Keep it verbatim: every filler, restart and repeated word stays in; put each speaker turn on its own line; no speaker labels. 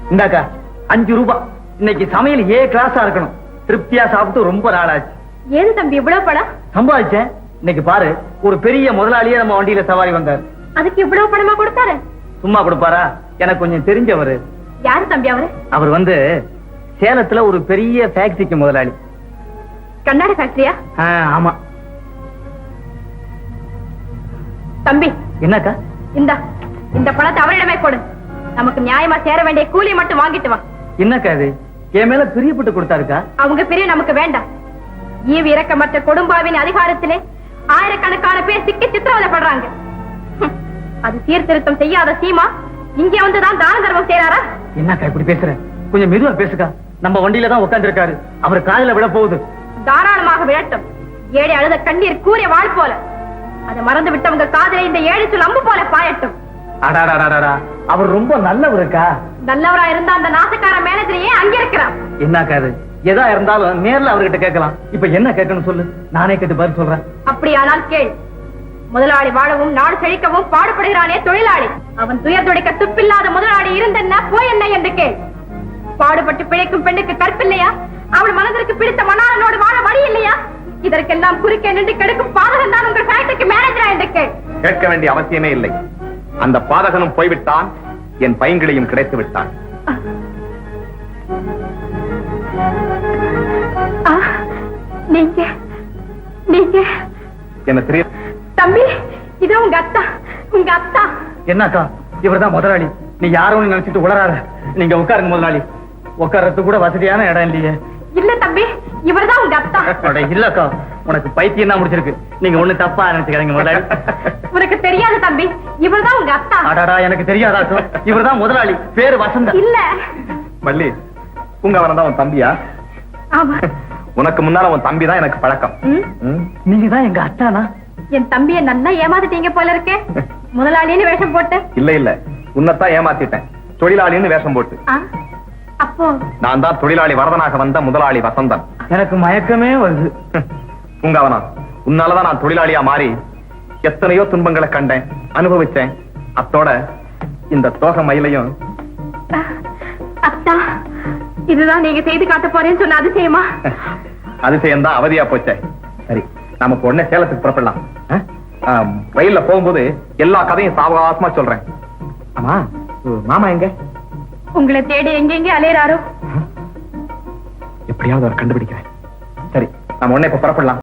இந்தாக்கா அஞ்சு ரூபாய். இன்னைக்கு சமையல் ஏ கிளாஸா இருக்கணும். திருப்தியா சாப்பிட்டு ரொம்ப நாளாச்சு.
ஏது தம்பி இவ்வளவு பணம்
சம்பாதிச்சேன். இன்னைக்கு பாரு, ஒரு பெரிய முதலாளியே நம்ம வண்டியில சவாரி வந்தார்.
அதுக்கு இவ்வளவு பணமா கொடுத்தாரு?
சும்மா கொடுப்பாரா? எனக்கு கொஞ்சம் தெரிஞ்சவரு.
யாரு தம்பி அவரு?
அவர் வந்து சேலத்துல ஒரு பெரிய ஃபேக்டரிக்கு முதலாளி.
கண்ணாடி ஃபேக்டரியா?
ஆமா.
தம்பி
என்னக்கா?
இந்த இந்த பணத்தை அவரிடமே கொடு. நமக்கு நியாயமா சேர வேண்டிய கூலி மட்டும் வாங்கிட்டு வா.
என்னக்கா இது? என் மேல பிரியப்பட்டு கொடுத்தாருக்கா?
அவங்க பிரிய நமக்கு வேண்டாம். ஈவு இறக்கமற்ற கொடும்பாவின் அதிகாரத்திலே ஆயிரக்கணக்கான பேர் சிக்கி சித்திரவதைப்படுறாங்க. அது சீர்திருத்தம் செய்யாத சீமா இங்கே வந்துதான் தான தர்மம் செய்யறாரா?
என்னக்கா இப்படி பேசுற? கொஞ்சம் மெதுவா பேசுக்கா. நம்ம வண்டியில தான் உட்கார்ந்து இருக்காரு. அவர் காதுல விட போகுது.
தாராளமாக விழட்டும். ஏழை அழுத கண்ணீர் கூறிய வாழ் போல. அதை மறந்து விட்டவங்க காதலை இந்த ஏழு சொல் அம்பு போல பாயட்டும்.
அடாடாடாடா, அவர் ரொம்ப நல்லவருக்கா.
நல்லவரா இருந்தா அந்த நாசக்கார மேனேஜரையே அங்க இருக்கிறான்.
என்னக்கா இது? எதா இருந்தாலும் நேர்ல அவர்கிட்ட கேட்கலாம். இப்ப என்ன கேட்கணும் சொல்லு, நானே கேட்டு பதில் சொல்றேன்.
அப்படியானால் கேள். முதலாளி வாழவும் நாடு செழிக்கவும் பாடுபடுகிறானே தொழிலாளி, அவன் துயர் துடைக்க துப்பில்லாத முதலாளி இருந்தென்ன போய் என்ன என்று கேள். பாடுபட்டு பிழைக்கும் பெண்ணுக்கு கற்பில்லையா? அவள் மனதிற்கு பிடித்த மணாளனோடு வாழ வழி இல்லையா? இதற்கெல்லாம் குறுக்கே நின்று கெடுக்கும் பாதகன் தான் உங்கள் ஃபேக்டரிக்கு மேனேஜரா என்று கேள்.
கேட்க வேண்டிய அவசியமே இல்லை. அந்த பாதகனும் போய்விட்டான், என் பையன்களையும் கிடைத்து விட்டான்.
நீங்க நீங்க
என்ன தெரியும்
தம்பி? இது உங்க அத்தா, உங்க அத்தா.
என்னக்கா, இவர்தான் முதலாளி. நீ யாரும் நினைச்சிட்டு உளராத. நீங்க உட்காருங்க முதலாளி. உட்கார்றது கூட வசதியான இடம் இல்லையே.
இல்ல தம்பி, இவர்தான் உங்க அத்தா.
இல்லக்கா, உனக்கு பைத்தியம் தான் முடிச்சிருக்கு. நீங்க ஒண்ணு தப்பா நினைச்சுக்கிறீங்க முதலாளி.
உனக்கு தெரியாது தம்பி, இவர்தான் உங்க அத்தா.
அடாடா, எனக்கு தெரியாதாக்கும். இவர்தான் முதலாளி, பேரு வசந்தா.
இல்ல
மல்லி, உங்க அவன் தான் உன் தம்பியா?
ஆமா.
உனக்கு முன்னால உன் தம்பி தான் எனக்கு பழக்கம்.
நீங்க தான் எங்க அத்தானா?
என் தம்பியை நல்லா ஏமாத்திட்டீங்க போல இருக்கே. முதலாளின்னு வேஷம் போட்டு.
இல்ல இல்ல, உன்னைத்தான் ஏமாத்திட்டேன், தொழிலாளின்னு வேஷம் போட்டு.
அப்போ
நான் தான் தொழிலாளி வரதனாக வந்த முதலாளி வசந்தன்.
எனக்கு மயக்கமே வருது.
உங்க அவனா, உன்னாலதான் நான் தொழிலாளியா மாறி எத்தனையோ துன்பங்களை கண்டேன், அனுபவிச்சேன். அத்தோட இந்த தோக மயிலையும்.
அத்தா, இதுதான் நீங்க செய்து காட்ட போறேன்னு சொன்ன அதிசயமா?
அதிசயம் தான் அவதியா போச்சே. சரி, நமக்கு உடனே சேலத்துக்கு புறப்படலாம். ரயில்ல போகும்போது எல்லா கதையும் சாவகாசமா சொல்றேன். ஆமா, மாமா எங்க?
உங்களை தேடி எங்கெங்க அலையறாரோ?
எப்படியாவது அவர் கண்டுபிடிக்கிறேன். சரி, நம்ம உடனே இப்ப புறப்படலாம்.